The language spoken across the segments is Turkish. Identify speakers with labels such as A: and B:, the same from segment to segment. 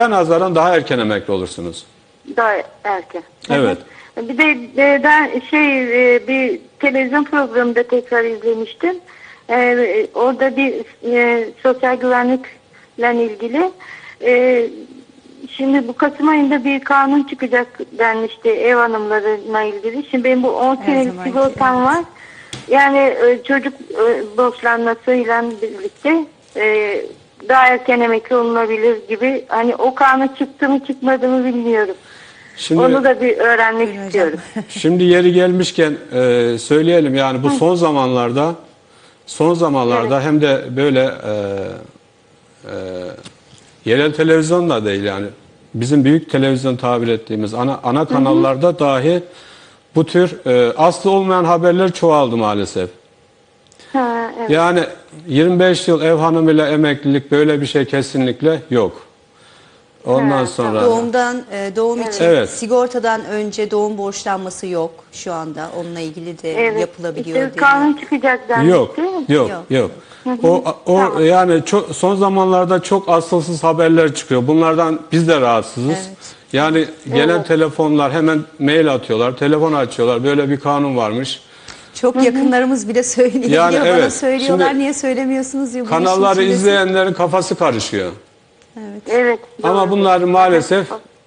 A: nazaran daha erken emekli olursunuz.
B: Daha erken.
A: Evet.
B: Bir de ben bir televizyon programında tekrar izlemiştim. Orada bir sosyal güvenlikle ilgili şimdi bu Kasım ayında bir kanun çıkacak denmişti ev hanımlarına ilgili. Şimdi benim bu 10 senelik sigortam var. Yani çocuk borçlanmasıyla birlikte daha erken emekli olunabilir gibi. Hani o kanun çıktı mı çıkmadı mı bilmiyorum.
A: Şimdi,
B: onu da bir öğrenmek istiyorum.
A: Şimdi yeri gelmişken söyleyelim, yani bu son zamanlarda
B: Evet.
A: hem de böyle yerel televizyon da değil, yani bizim büyük televizyon tabir ettiğimiz ana kanallarda dahi bu tür aslı olmayan haberler çoğaldı maalesef.
B: Ha, evet.
A: Yani 25 yıl ev hanımıyla emeklilik, böyle bir şey kesinlikle yok. Ondan sonra
C: Doğum için
A: evet,
C: sigortadan önce doğum borçlanması yok şu anda. Onunla ilgili de yapılabiliyor.
B: İşte kanun çıkacak denmişti.
A: Yok. Yani son zamanlarda çok asılsız haberler çıkıyor. Bunlardan biz de rahatsızız.
C: Evet.
A: Yani gelen telefonlar, hemen mail atıyorlar, telefon açıyorlar. Böyle bir kanun varmış.
C: Çok yakınlarımız bile söylüyor.
A: Yani
C: Bana
A: evet.
C: söylüyorlar,
A: Şimdi
C: niye söylemiyorsunuz diyor.
A: Kanalları izleyenlerin kafası karışıyor.
B: Evet.
A: Ama bunlar maalesef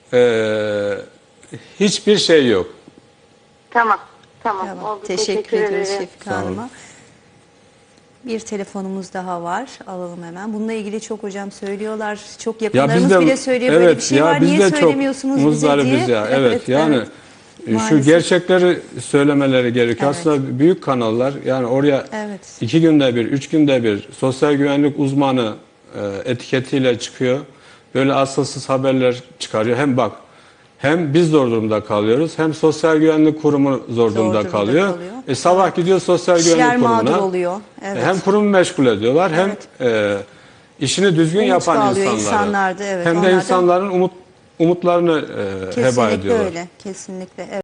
A: hiçbir şey yok.
B: Tamam.
C: Tamam.
B: Oldu.
C: Teşekkür ediyoruz
B: ederim.
C: Şefika Hanım'a. Bir telefonumuz daha var. Alalım hemen. Bununla ilgili çok hocam söylüyorlar. Çok yakınlarımız bile söylüyor. Böyle bir şey var. Niye söylemiyorsunuz bize diye.
A: Evet, yani şu
C: Maalesef.
A: gerçekleri söylemeleri gerekiyor.
C: Evet.
A: Aslında büyük kanallar, yani oraya 2 günde bir, 3 günde bir sosyal güvenlik uzmanı etiketiyle çıkıyor. Böyle asılsız haberler çıkarıyor. Hem biz zor durumda kalıyoruz, hem Sosyal Güvenlik Kurumu zor durumda kalıyor. Sabah gidiyor Sosyal Güvenlik Kurumu'na.
C: Oluyor. Evet.
A: Hem kurumu meşgul ediyorlar, hem işini düzgün yapan
C: insanları.
A: Hem de insanların umutlarını heba ediyorlar.
C: Kesinlikle öyle. Kesinlikle. Evet.